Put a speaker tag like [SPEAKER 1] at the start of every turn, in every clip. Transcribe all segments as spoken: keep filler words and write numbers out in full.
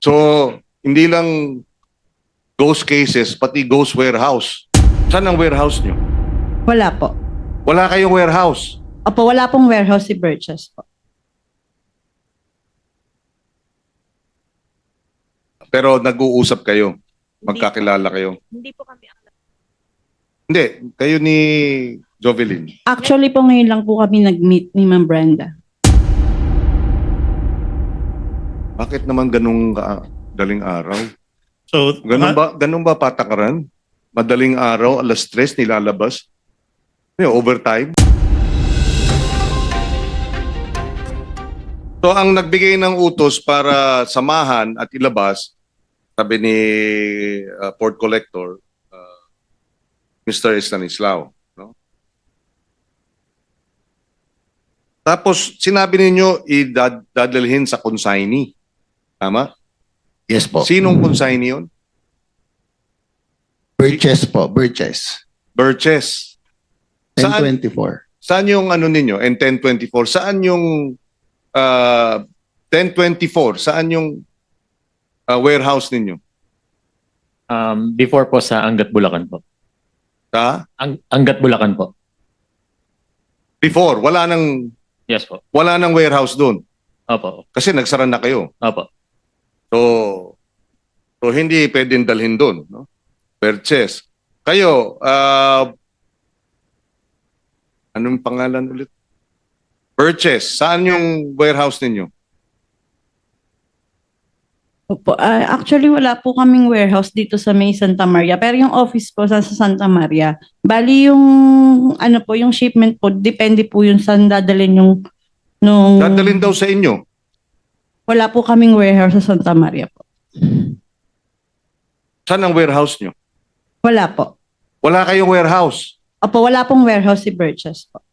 [SPEAKER 1] So, hindi lang ghost cases, pati ghost warehouse. Saan ang warehouse nyo?
[SPEAKER 2] Wala po.
[SPEAKER 1] Wala kayong warehouse.
[SPEAKER 2] Opo, wala pong warehouse si Burgess po.
[SPEAKER 1] Pero nag-uusap kayo. Magkakilala kayo.
[SPEAKER 3] Hindi po kami ang
[SPEAKER 1] Hindi, kayo ni Jovelyn.
[SPEAKER 2] Actually po ngayon lang po kami nag-meet ni Ma'am Brenda.
[SPEAKER 1] Bakit naman ganung ka- daling araw?
[SPEAKER 4] So,
[SPEAKER 1] Ganun
[SPEAKER 4] nga-
[SPEAKER 1] ba, ganun ba patakaran? Madaling araw, alas tres, nilalabas? Yung overtime? So, ang nagbigay ng utos para samahan at ilabas, sabi ni uh, Port Collector, uh, Mister Stanislao. No? Tapos, sinabi ninyo, idadalhin sa consignee. Tama?
[SPEAKER 5] Yes po.
[SPEAKER 1] Sinong consignee yun?
[SPEAKER 5] Purchase po, purchase.
[SPEAKER 1] Burgess.
[SPEAKER 5] ten
[SPEAKER 1] Saan,
[SPEAKER 5] twenty-four.
[SPEAKER 1] saan yung ano ninyo? And ten twenty-four. Saan yung uh, ten twenty-four? Saan yung uh, warehouse ninyo?
[SPEAKER 6] Um, before po sa Angat Bulacan po.
[SPEAKER 1] Sa?
[SPEAKER 6] Ang Angat Bulacan po.
[SPEAKER 1] Before. Wala nang,
[SPEAKER 6] Yes po.
[SPEAKER 1] wala nang warehouse doon.
[SPEAKER 6] Opo.
[SPEAKER 1] Kasi nagsara na kayo.
[SPEAKER 6] Opo.
[SPEAKER 1] So, so hindi pwedeng dalhin doon. No? Purchase. Kayo, uh, anong pangalan ulit? Purchase. Saan yung warehouse ninyo?
[SPEAKER 2] Opo, ah, actually wala po kaming warehouse dito sa May Santa Maria. Pero yung office po sa sa Santa Maria. Bali yung ano po, yung shipment po, depende po yun saan dadalhin yung nung
[SPEAKER 1] Dadalhin daw sa inyo.
[SPEAKER 2] wala po kaming warehouse sa Santa Maria po.
[SPEAKER 1] Saan ang warehouse nyo?
[SPEAKER 2] Wala po.
[SPEAKER 1] Wala kayong warehouse.
[SPEAKER 2] Opo, wala pong warehouse si Burgess po.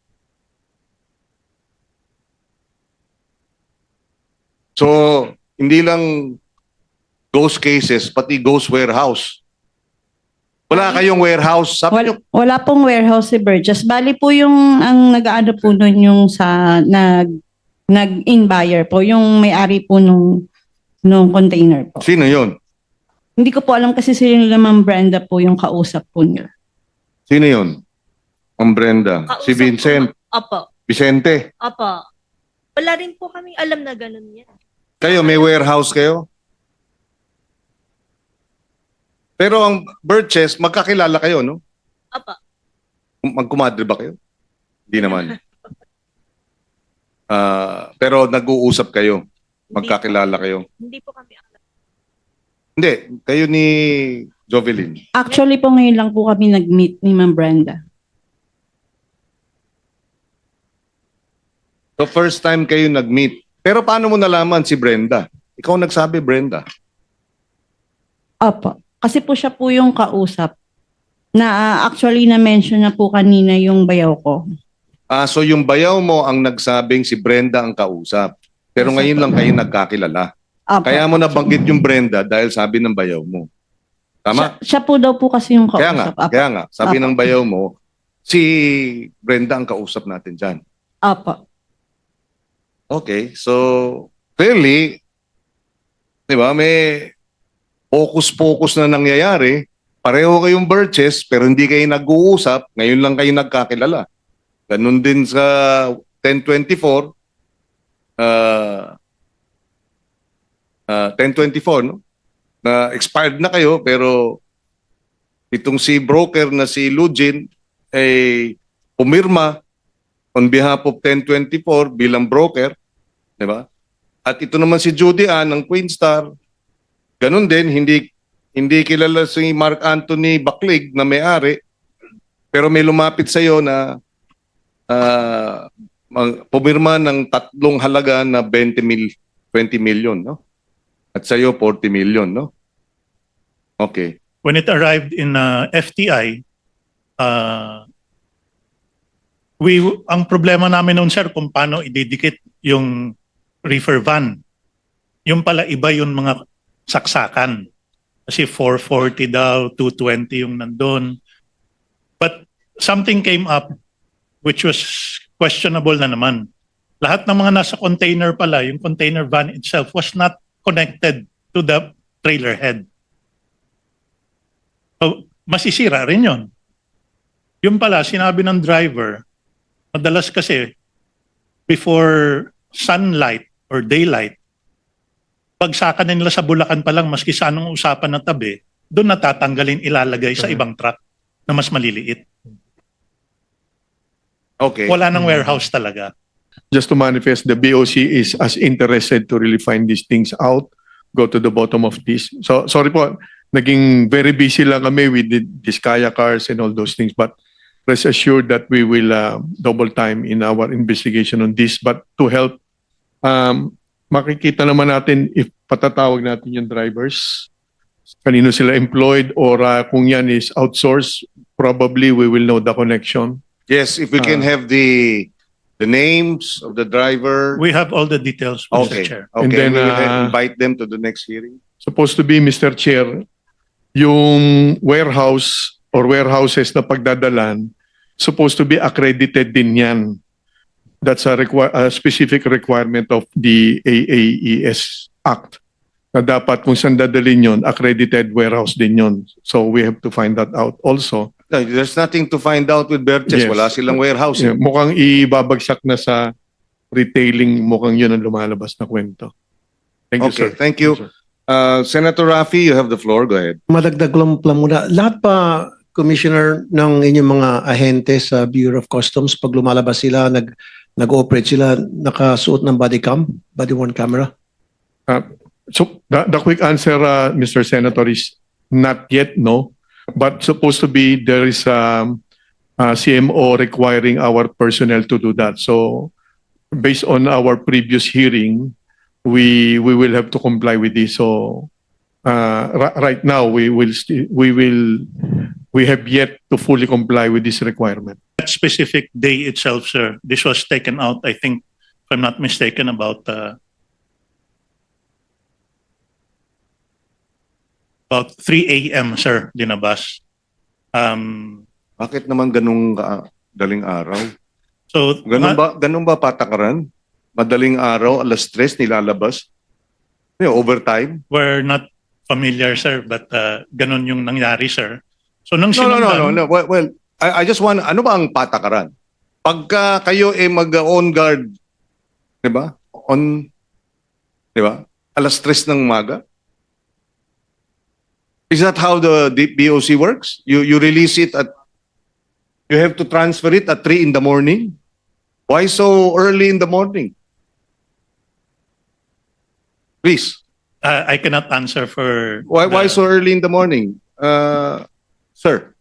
[SPEAKER 1] So, hindi lang ghost cases, pati ghost warehouse. Wala kayong warehouse. Sabi nyo,
[SPEAKER 2] Wala, wala pong warehouse si Burgess. Bali po yung ang nag-aano po nun yung sa nag nag-in buyer po, yung may-ari po nung nung container po.
[SPEAKER 1] sino yun?
[SPEAKER 2] Hindi ko po alam kasi sila nila Ma'am Brenda po yung kausap po nila.
[SPEAKER 1] Sino yun? Ang Brenda.
[SPEAKER 3] kausap
[SPEAKER 1] Si Vincent.
[SPEAKER 3] po. Opo.
[SPEAKER 1] Vicente.
[SPEAKER 3] Opo. Wala rin po kaming alam na ganun yan.
[SPEAKER 1] Kayo, may warehouse kayo? Pero ang Burgess, magkakilala kayo, no?
[SPEAKER 3] Opo.
[SPEAKER 1] Magkumadre ba kayo? Hindi naman. Ah, pero nag-uusap kayo. Magkakilala kayo.
[SPEAKER 3] Hindi po kami ang
[SPEAKER 1] Hindi, kayo ni Jovelyn.
[SPEAKER 2] Actually po ngayon lang po kami nag-meet ni Ma'am Brenda.
[SPEAKER 1] So first time kayo nag-meet. Pero paano mo nalaman si Brenda? Ikaw nagsabi, Brenda.
[SPEAKER 2] Opo. Kasi po siya po yung kausap na ah, actually na-mention na po kanina yung bayaw ko.
[SPEAKER 1] Ah, so yung bayaw mo ang nagsabing si Brenda ang kausap. Pero ngayon lang kayo nagkakilala.
[SPEAKER 2] Opo.
[SPEAKER 1] Kaya mo nabanggit yung Brenda dahil sabi ng bayaw mo. Tama?
[SPEAKER 2] Siya, siya po daw po kasi yung kausap.
[SPEAKER 1] Kaya nga,
[SPEAKER 2] Opo.
[SPEAKER 1] kaya nga. Sabi
[SPEAKER 2] Apo.
[SPEAKER 1] ng bayaw mo, si Brenda ang kausap natin dyan.
[SPEAKER 2] Opo.
[SPEAKER 1] Okay, so clearly, di ba, may focus-focus na nangyayari. Pareho kayong Burgess, pero hindi kayo nag-uusap. Ngayon lang kayo nagkakilala. Ganun din sa ten twenty-four. Uh, uh, ten twenty-four, no? Na expired na kayo, pero itong si broker na si Lugin ay pumirma on behalf of ten twenty-four bilang broker, di ba? At ito naman si Judy Ann ng Queenstar, ganun din, hindi hindi kilala si Mark Anthony Baclig na may-ari, pero may lumapit sa iyo na uh, pumirma ng tatlong halaga na twenty mil, twenty million, no? At sa iyo forty million, no? Okay.
[SPEAKER 4] when it arrived in uh, F T I, uh, we ang problema namin noon, sir, kung paano ididikit yung reefer van. Yung pala iba yung mga saksakan. Kasi four forty daw, two twenty yung nandun. But something came up which was questionable na naman. Lahat ng mga nasa container pala, yung container van itself was not connected to the trailer head. So, masisira rin yun. Yung pala, sinabi ng driver, madalas kasi, before sunlight or daylight, pagsakan na nila sa Bulacan pa lang, maski sa anong usapan na tabi, doon natatanggalin, ilalagay sa ibang truck na mas maliliit.
[SPEAKER 1] Okay.
[SPEAKER 4] Wala nang warehouse talaga.
[SPEAKER 7] Just to manifest, the B O C is as interested to really find these things out, go to the bottom of this. So, sorry po, naging very busy lang kami with the, these kaya cars and all those things, but rest assured that we will uh, double time in our investigation on this. But to help, um, makikita naman natin if patatawag natin yung drivers, kanino sila employed, or uh, kung yan is outsourced, probably we will know the connection.
[SPEAKER 1] Yes, if we can
[SPEAKER 7] Ah.
[SPEAKER 1] have the the names of the driver.
[SPEAKER 4] We have all the details, Mister
[SPEAKER 1] Okay.
[SPEAKER 4] Chair.
[SPEAKER 1] Okay.
[SPEAKER 7] And then,
[SPEAKER 1] we will
[SPEAKER 7] uh,
[SPEAKER 1] invite them to the next hearing.
[SPEAKER 7] Supposed to be, Mister Chair, yung warehouse or warehouses na pagdadalan, supposed to be accredited din yan. That's a, require, a specific requirement of the A A E S Act. Na dapat kung saan dadalhin yun, accredited warehouse din yun. So we have to find that out also.
[SPEAKER 1] No, there's nothing to find out with Berches.
[SPEAKER 7] Yes.
[SPEAKER 1] Wala silang warehouse.
[SPEAKER 7] Yeah, mukhang ibabagsak na sa retailing, mukhang yun ang lumalabas na kwento. Thank you,
[SPEAKER 1] Okay,
[SPEAKER 7] sir.
[SPEAKER 1] thank you. Uh, Senator Rafi, you have the floor. Go ahead.
[SPEAKER 8] Madagdag lang lang muna. Lahat pa, Commissioner, ng inyong mga ahente sa Bureau of Customs, pag lumalabas sila, nag, nag-ooperate sila, nakasuot ng body cam, body worn camera?
[SPEAKER 7] So the, the quick answer, uh, Mister Senator, is not yet, no. But supposed to be there is um, a C M O requiring our personnel to do that. So based on our previous hearing, we we will have to comply with this. So uh, ri- right now we will sti- we will we have yet to fully comply with this requirement.
[SPEAKER 4] That specific day itself, sir, this was taken out, I think, if I'm not mistaken, about uh, about three A M, sir, dinabas. Um,
[SPEAKER 1] Bakit naman ganung ka- daling araw?
[SPEAKER 4] so,
[SPEAKER 1] Ganun
[SPEAKER 4] ma-
[SPEAKER 1] ba, ganun ba patakaran? Madaling araw, alas tres, nilalabas? You know, overtime?
[SPEAKER 4] we're not familiar, sir, but uh, ganun yung nangyari, sir. So, nung
[SPEAKER 1] No, no, no,
[SPEAKER 4] sinundan,
[SPEAKER 1] no, no. Well, well I, I just want, ano ba ang patakaran? Pagka kayo eh mag-on guard, di ba? On, di ba? Alas tres ng umaga? Is that how the D- B O C works? You you release it at, you have to transfer it at three in the morning? Why so early in the morning? Please,
[SPEAKER 4] uh, I cannot answer for...
[SPEAKER 1] why why
[SPEAKER 4] the-
[SPEAKER 1] so early in the morning? Uh, sir.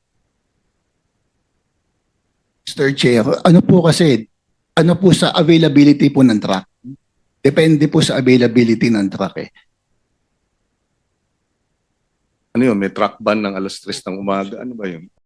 [SPEAKER 5] Mister Chair, ano po kasi, ano po sa availability po ng truck? Depende po sa availability ng truck eh.
[SPEAKER 1] Ano yun, may truck ban ng alas tres ng umaga? Ano ba yun?